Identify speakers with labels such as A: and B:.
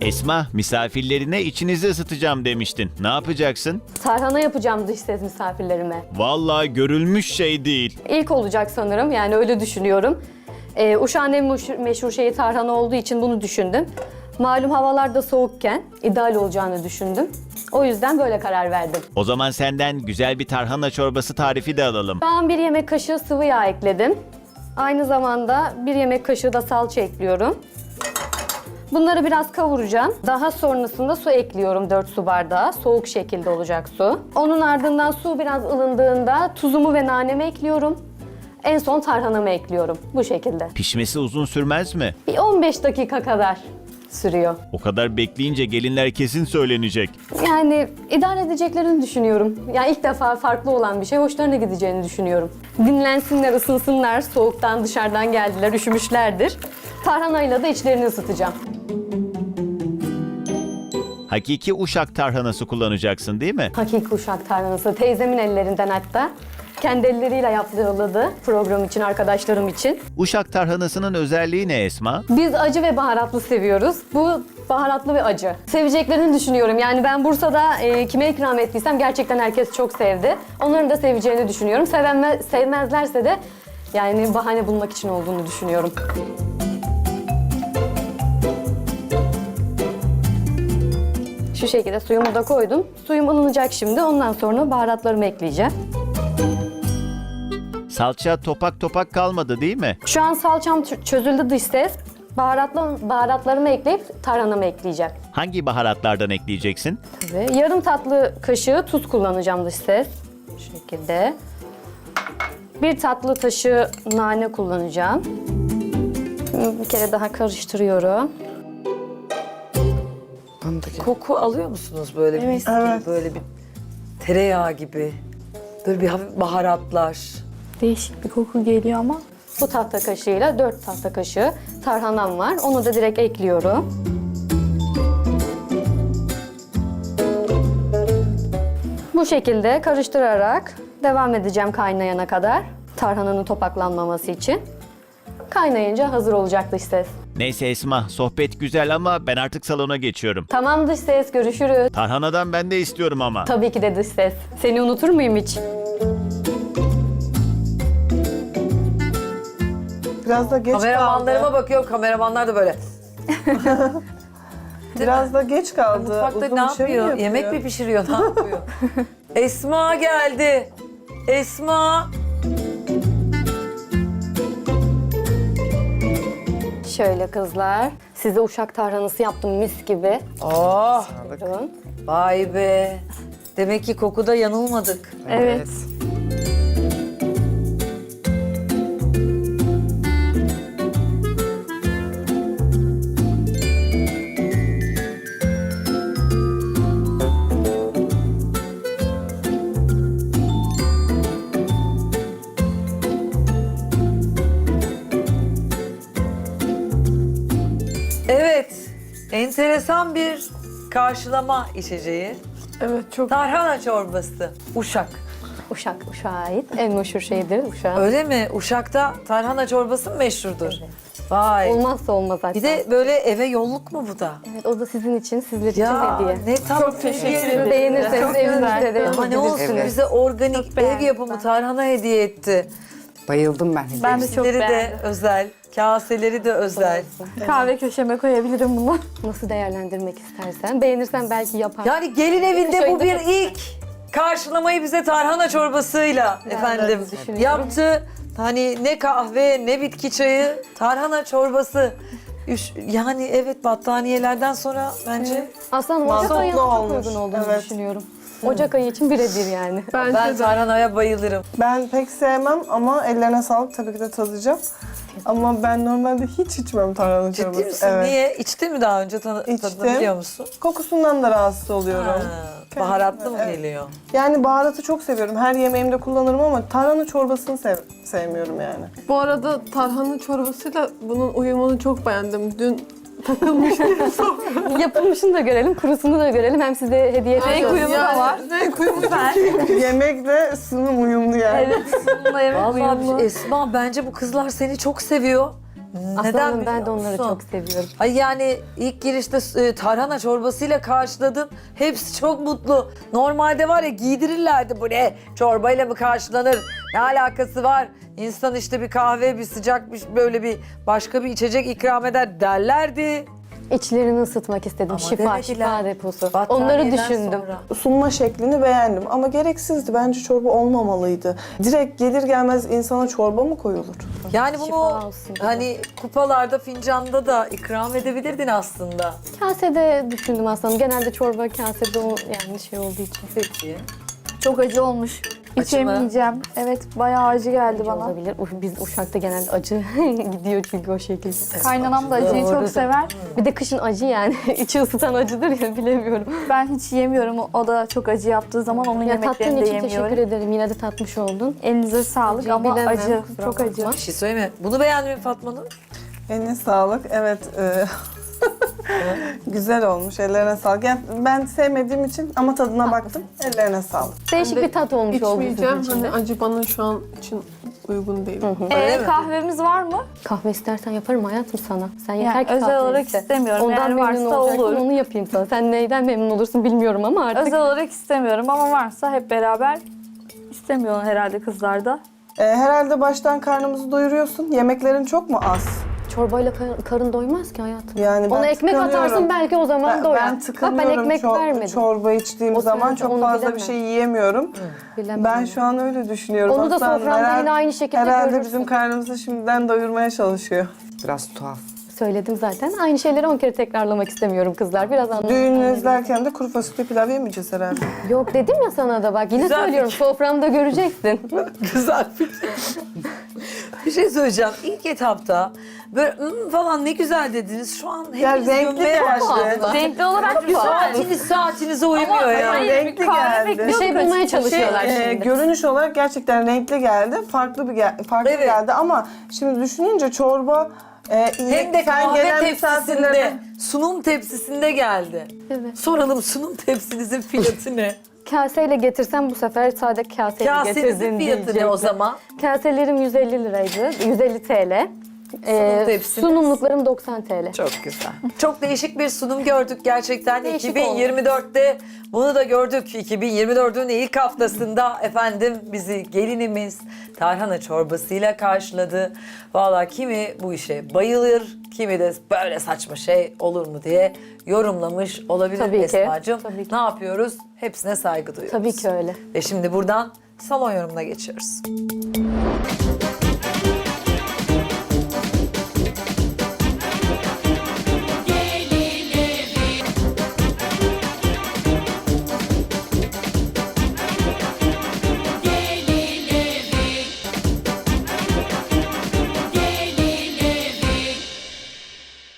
A: Esma, misafirlerine içinizi ısıtacağım demiştin. Ne yapacaksın?
B: Tarhana yapacağım dış ses misafirlerime.
A: Vallahi görülmüş şey değil.
B: İlk olacak sanırım, yani öyle düşünüyorum. Uşak'ın en meşhur şeyi tarhana olduğu için bunu düşündüm. Malum havalar da soğukken ideal olacağını düşündüm. O yüzden böyle karar verdim.
A: O zaman senden güzel bir tarhana çorbası tarifi de alalım.
B: Şu an 1 yemek kaşığı sıvı yağ ekledim. Aynı zamanda 1 yemek kaşığı da salça ekliyorum. Bunları biraz kavuracağım. Daha sonrasında su ekliyorum 4 su bardağı. Soğuk şekilde olacak su. Onun ardından su biraz ılındığında tuzumu ve nanemi ekliyorum. En son tarhanamı ekliyorum. Bu şekilde.
A: Pişmesi uzun sürmez mi?
B: Bir 15 dakika kadar sürüyor.
A: O kadar bekleyince gelinler kesin söylenecek.
B: Yani idare edeceklerini düşünüyorum. Yani ilk defa farklı olan bir şey, hoşlarına gideceğini düşünüyorum. Dinlensinler, ısınsınlar. Soğuktan dışarıdan geldiler, üşümüşlerdir. Tarhanayla da içlerini ısıtacağım.
A: Hakiki Uşak tarhanası kullanacaksın değil mi?
B: Hakiki Uşak tarhanası. Teyzemin ellerinden hatta. Kendi elleriyle yaptırıldı program için, arkadaşlarım için.
A: Uşak tarhanasının özelliği ne Esma?
B: Biz acı ve baharatlı seviyoruz. Bu baharatlı ve acı. Seveceklerini düşünüyorum. Yani ben Bursa'da kime ikram ettiysem gerçekten herkes çok sevdi. Onların da seveceğini düşünüyorum. Sevmezlerse de yani bahane bulmak için olduğunu düşünüyorum. Şu şekilde suyumu da koydum. Suyum ılınacak şimdi. Ondan sonra baharatlarımı ekleyeceğim.
A: Salça topak topak kalmadı değil mi?
B: Şu an salçam çözüldü dış ses. Baharatlarımı ekleyip tarhanamı ekleyeceğim.
A: Hangi baharatlardan ekleyeceksin?
B: Ve yarım tatlı kaşığı tuz kullanacağım dış ses. Bu şekilde. 1 tatlı kaşığı nane kullanacağım. Bir kere daha karıştırıyorum.
C: Koku alıyor musunuz böyle bir mis gibi, böyle bir tereyağı gibi? Böyle bir hafif baharatlar.
D: Değişik bir koku geliyor ama.
B: Bu tahta kaşığıyla 4 tahta kaşığı tarhanam var. Onu da direkt ekliyorum. Bu şekilde karıştırarak devam edeceğim kaynayana kadar. Tarhananın topaklanmaması için. Kaynayınca hazır olacak dış ses.
A: Neyse Esma, sohbet güzel ama ben artık salona geçiyorum.
B: Tamam dış ses, görüşürüz.
A: Tarhanadan ben de istiyorum ama.
B: Tabii ki de dış ses. Seni unutur muyum hiç?
E: Biraz da geç
C: Kameramanlarıma
E: kaldı.
C: bakıyorum, kameramanlar da böyle.
E: Biraz da geç kaldı.
C: Mutfakta
E: Uzun
C: ne
E: bir şey mi
C: yapıyor? Yemek mi pişiriyor, ne yapıyor? Esma geldi. Esma.
B: Şöyle kızlar. Size Uşak tarhanası yaptım mis gibi.
C: Oh,
B: Buyurun.
C: vay be. Demek ki kokuda yanılmadık.
B: Evet.
C: Evet, enteresan bir karşılama içeceği.
E: Evet, çok
C: Tarhana çorbası. Uşak.
B: Uşak'a ait en meşhur şeydir Uşak.
C: Öyle mi? Uşak'ta tarhana çorbası mı meşhurdur? Vay.
B: Olmazsa olmaz hatta.
C: Bir de böyle eve yolluk mu bu da?
B: Evet, o da sizin için, sizler için
C: Ya
B: hediye.
C: ne tatlı.
E: teşekkür ederim.
B: Beğenirseniz evinizde de
C: Ama ne olsun
B: yapabilirsiniz.
C: bize organik ev yapımı tarhana hediye etti.
F: Bayıldım ben.
D: Ben de çok
C: Tepsileri de
D: beğendim.
C: özel, kaseleri de özel.
D: Kahve köşeme koyabilirim bunu.
B: Nasıl değerlendirmek istersen. Beğenirsen belki yapar.
C: Yani gelin evinde bu
B: Şöyle
C: bir ilk. Karşılamayı bize tarhana çorbasıyla efendim
B: öyle düşünüyorum.
C: yaptı. Hani ne kahve ne bitki çayı, tarhana çorbası. Yani evet, battaniyelerden sonra bence
B: Aslında Ocak
E: Mantıklı
B: ayına çok
E: olmuş.
B: uygun olduğunu
E: Evet.
B: düşünüyorum. Ocak ayı için birebir yani.
C: ben tarhanaya bayılırım.
E: ben pek sevmem ama ellerine sağlık, tabii ki de tadacağım. Ama ben normalde hiç içmem tarhana çorbası.
C: Ciddi misin?
E: Evet.
C: Niye? İçtin mi daha önce?
E: İçtim.
C: Tadını biliyor musun?
E: Kokusundan da rahatsız oluyorum.
C: Ha, baharatlı mı
E: Evet.
C: geliyor?
E: Yani baharatı çok seviyorum. Her yemeğimde kullanırım ama tarhana çorbasını sevmiyorum yani.
G: Bu arada tarhana çorbasıyla bunun uyumunu çok beğendim. Dün takılmıştım.
B: Yapılmışını da görelim, kurusunu da görelim. Hem size hediye
G: Renk
B: edeceğiz.
G: uyumu da var. Renk uyumu da.
E: Yemekle sunum uyumlu yani.
B: Evet, bununla yemek
C: Vallahi
B: uyumlu.
C: Esma, bence bu kızlar seni çok seviyor.
B: Aslanım ben de
C: biliyor
B: onları
C: musun?
B: çok seviyorum.
C: Ay yani ilk girişte tarhana çorbasıyla karşıladım. Hepsi çok mutlu. Normalde var ya giydirirlerdi, bu ne? Çorbayla mı karşılanır? Ne alakası var? İnsan işte bir kahve, bir sıcak, böyle bir başka bir içecek ikram eder derlerdi.
B: İçlerini ısıtmak istedim.
C: Ama
B: Şifa,
C: demediler.
B: şifa deposu. Onları
C: Battaniyeden
B: düşündüm.
C: sonra.
E: Sunma şeklini beğendim ama gereksizdi. Bence çorba olmamalıydı. Direkt gelir gelmez insana çorba mı koyulur?
C: Yani bunu
B: Şifa olsun.
C: hani kupalarda, fincanda da ikram edebilirdin aslında.
B: Kasede düşündüm aslında. Genelde çorba kasede yani şey olduğu için.
C: Peki.
D: Çok acı olmuş. İçemeyeceğim. Evet bayağı acı geldi bana.
B: Olabilir. Biz Uşak'ta genelde acı gidiyor çünkü o şekilde.
D: Kaynanam da acıyı çok sever.
B: Bir de kışın acı yani. İçi ısıtan acıdır ya, bilemiyorum.
D: Ben hiç yemiyorum. O da çok acı yaptığı zaman onun
B: Ya tattığın
D: yemeklerini de
B: için teşekkür
D: yemiyorum.
B: ederim. Yine de tatmış oldun.
D: Elinize sağlık
B: Acıyı
D: ama
B: bilemem,
D: acı.
B: kusura
D: Çok acı.
B: bakma.
C: Bir şey söyleme. Bunu beğendin mi Fatma Nur?
E: Eline sağlık. Evet. Güzel olmuş. Ellerine sağlık. Yani ben sevmediğim için ama tadına baktım. Ellerine sağlık.
B: Değişik bir tat olmuş oldu sizin
G: İçmeyeceğim.
B: için de.
G: Hani acı bana şu an için uygun değil.
C: Öyle mi?
D: Kahvemiz var mı?
B: Kahve istersen yaparım hayatım sana. Sen yeter
D: Yani
B: ki
D: özel
B: kahve
D: olarak
B: iste.
D: istemiyorum.
B: Ondan
D: Eğer
B: memnun
D: varsa
B: olacaksan
D: olur.
B: onu yapayım sana. Sen neyden memnun olursun bilmiyorum ama artık.
D: Özel olarak istemiyorum ama varsa hep beraber istemiyor herhalde kızlar da.
E: Herhalde baştan karnımızı doyuruyorsun. Yemeklerin çok mu az?
B: Çorbayla karın doymaz ki hayatım.
E: Yani ben
B: Ona ekmek
E: tıkanıyorum.
B: atarsın belki o zaman doyar.
E: Ben
B: Bak
E: tıkanıyorum.
B: ben ekmek vermedim.
E: Çorba içtiğim
B: O
E: zaman
B: sırada
E: çok
B: onu
E: fazla
B: bilemem.
E: bir şey yiyemiyorum.
B: Bilemem
E: Ben
B: ya.
E: şu an öyle düşünüyorum.
B: Onu da
E: Aslanım,
B: sofranda yine aynı şekilde
E: herhalde
B: görürsün.
E: bizim karnımızı şimdiden doyurmaya çalışıyor.
C: Biraz tuhaf.
B: Söyledim zaten. Aynı şeyleri 10 kere tekrarlamak istemiyorum kızlar. Biraz anlayın.
E: Düğünü izlerken de kuru fasulye pilav yemeyeceğiz herhalde.
B: Yok dedim ya sana da bak. Yine
C: Güzel
B: söylüyorum. Soframda göreceksin.
C: Güzel bir şey söyleyeceğim. İlk etapta böyle falan ne güzel dediniz. Şu an
E: Ya
C: hepiniz
E: renkli
C: gömmeye
E: geldi.
C: başladı.
D: Renkli olarak güzel.
C: Saatinize uymuyor ya.
E: Renkli geldi.
B: Bir şey bulmaya çalışıyorlar şimdi.
E: Görünüş olarak gerçekten renkli geldi. Farklı
C: Evet.
E: geldi ama şimdi düşününce çorba
C: Hem de
E: sen
C: kahve
E: gelen
C: tepsisinde,
E: misafirlere-
C: sunum tepsisinde geldi.
B: Evet.
C: Soralım, sunum tepsinizin fiyatı ne?
B: Kaseyle getirsem bu sefer sade kaseyle
C: Kasenizin
B: getirdin
C: fiyatı ne
B: diyecekler.
C: o zaman?
B: Kaselerim 150 liraydı. 150 TL.
C: tepsiniz?
B: Sunumluklarım 90 TL.
C: Çok güzel. Çok değişik bir sunum gördük gerçekten.
B: Değişik
C: 2024'te bunu da gördük. 2024'ün ilk haftasında efendim bizi gelinimiz tarhana çorbasıyla karşıladı. Vallahi kimi bu işe bayılır, kimi de böyle saçma şey olur mu diye yorumlamış olabilir
B: Tabii ki,
C: Esma'cığım.
B: tabii ki.
C: Ne yapıyoruz? Hepsine saygı duyuyoruz.
B: Tabii ki öyle.
C: Ve şimdi buradan salon yorumuna geçiyoruz.